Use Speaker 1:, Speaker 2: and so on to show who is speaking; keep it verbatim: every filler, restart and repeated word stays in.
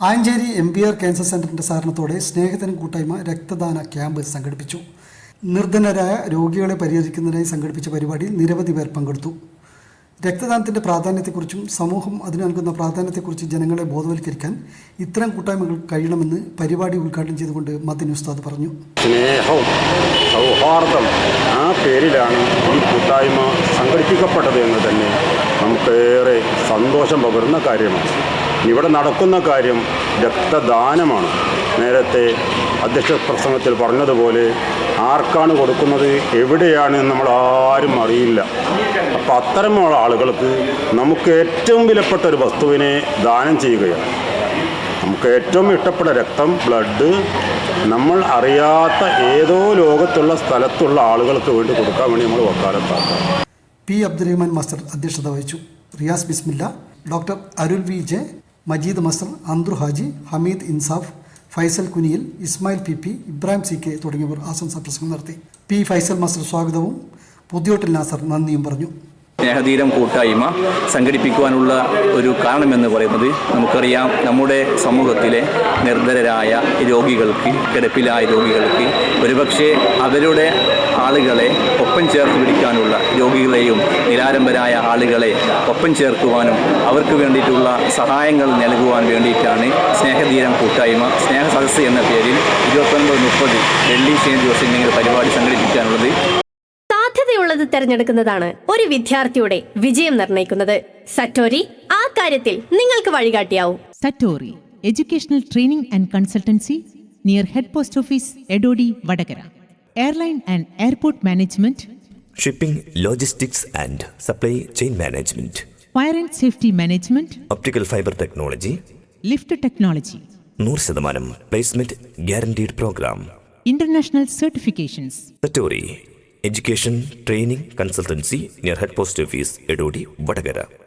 Speaker 1: Ancheri M B R cancer സെൻ്ററിൻ്റെ സഹകരണത്തോടെ സ്നേഹത്തിനും കൂട്ടായ്മ രക്തദാന ക്യാമ്പ് സംഘടിപ്പിച്ചു. നിർധനരായ രോഗികളെ പരിഹരിക്കുന്നതിനായി സംഘടിപ്പിച്ച പരിപാടിയിൽ നിരവധി പേർ പങ്കെടുത്തു. രക്തദാനത്തിൻ്റെ പ്രാധാന്യത്തെക്കുറിച്ചും സമൂഹം അതിന് നൽകുന്ന പ്രാധാന്യത്തെക്കുറിച്ച് ജനങ്ങളെ ബോധവൽക്കരിക്കാൻ ഇത്തരം കൂട്ടായ്മകൾ കഴിയണമെന്ന് പരിപാടി ഉദ്ഘാടനം ചെയ്തുകൊണ്ട് മദനി ഉസ്താദ് പറഞ്ഞു.
Speaker 2: സ്നേഹവും സൗഹാർദ്ദം ആ പേരിലാണ് ഈ കൂട്ടായ്മ സംഘടിപ്പിക്കപ്പെട്ടത് എന്ന് തന്നെ നമുക്കേറെ സന്തോഷം പകരുന്ന കാര്യമാണ്. ഇവിടെ നടക്കുന്ന കാര്യം രക്തദാനമാണ്. നേരത്തെ അധ്യക്ഷ പ്രസംഗത്തിൽ പറഞ്ഞതുപോലെ ആർക്കാണ് കൊടുക്കുന്നത്, എവിടെയാണ് നമ്മൾ ആരും അറിയില്ല. അപ്പം അത്തരമുള്ള ആളുകൾക്ക് നമുക്ക് ഏറ്റവും വിലപ്പെട്ട ഒരു വസ്തുവിനെ ദാനം ചെയ്യുകയാണ്. നമുക്ക് ഏറ്റവും ഇഷ്ടപ്പെട്ട രക്തം, ബ്ലഡ് നമ്മൾ അറിയാത്ത ഏതോ ലോകത്തുള്ള സ്ഥലത്തുള്ള ആളുകൾക്ക് വേണ്ടി കൊടുക്കാൻ വേണ്ടി നമ്മൾ വക്കാലത്താക്കാം.
Speaker 1: പി അബ്ദുറഹ്മാൻ മാസ്റ്റർ അധ്യക്ഷത വഹിച്ചു. Riyas Bismilla, doctor Arul V J, Majeed Masar, Anthru Haji, Hameed Insaf, Faisal Kuniyil, Ismail P P, Ibrahim C K തുടങ്ങിയവർ ആശംസാ പ്രസംഗം നടത്തി. പി ഫൈസൽ മാസ്റ്റർ സ്വാഗതവും പുതിയോട്ടിൽ നാസർ നന്ദിയും പറഞ്ഞു.
Speaker 3: സ്നേഹതീരം കൂട്ടായ്മ സംഘടിപ്പിക്കുവാനുള്ള ഒരു കാരണമെന്ന് പറയുന്നത് നമുക്കറിയാം, നമ്മുടെ സമൂഹത്തിലെ നിർധനരായ രോഗികൾക്ക്, കിടപ്പിലായ രോഗികൾക്ക് ഒരുപക്ഷെ അവരുടെ ആളുകളെ ഒപ്പം ചേർത്ത് പിടിക്കാനുള്ള, രോഗികളെയും നിരാലംബരായ ആളുകളെ ഒപ്പം ചേർക്കുവാനും അവർക്ക് വേണ്ടിയിട്ടുള്ള സഹായങ്ങൾ നൽകുവാൻ വേണ്ടിയിട്ടാണ് സ്നേഹതീരം കൂട്ടായ്മ സ്നേഹ സദസ്സ് എന്ന പേരിൽ ഇരുപത്തൊൻപത് മുപ്പത് വെള്ളി ശനി ദിവസങ്ങളിൽ പരിപാടി സംഘടിപ്പിക്കാനുള്ളത്.
Speaker 4: സാധ്യതയുള്ളത് തിരഞ്ഞെടുക്കുന്നതാണ് ഒരു വിദ്യാർത്ഥിയുടെ വിജയം നിർണ്ണയിക്കുന്നത്. സറ്റോരി ആ കാര്യത്തിൽ നിങ്ങൾക്ക് വഴികാട്ടിയാവും.
Speaker 5: Satori educational training and consultancy near head post office, Edodi, Vadakara. Airline and airport management,
Speaker 6: shipping, logistics and supply chain management,
Speaker 5: fire and safety management,
Speaker 6: optical fibre technology,
Speaker 5: lift technology,
Speaker 6: നൂറ് ശതമാനം placement guaranteed programme,
Speaker 5: international certifications.
Speaker 6: Satori education training consultancy near head post office, Edodi, Vadakara.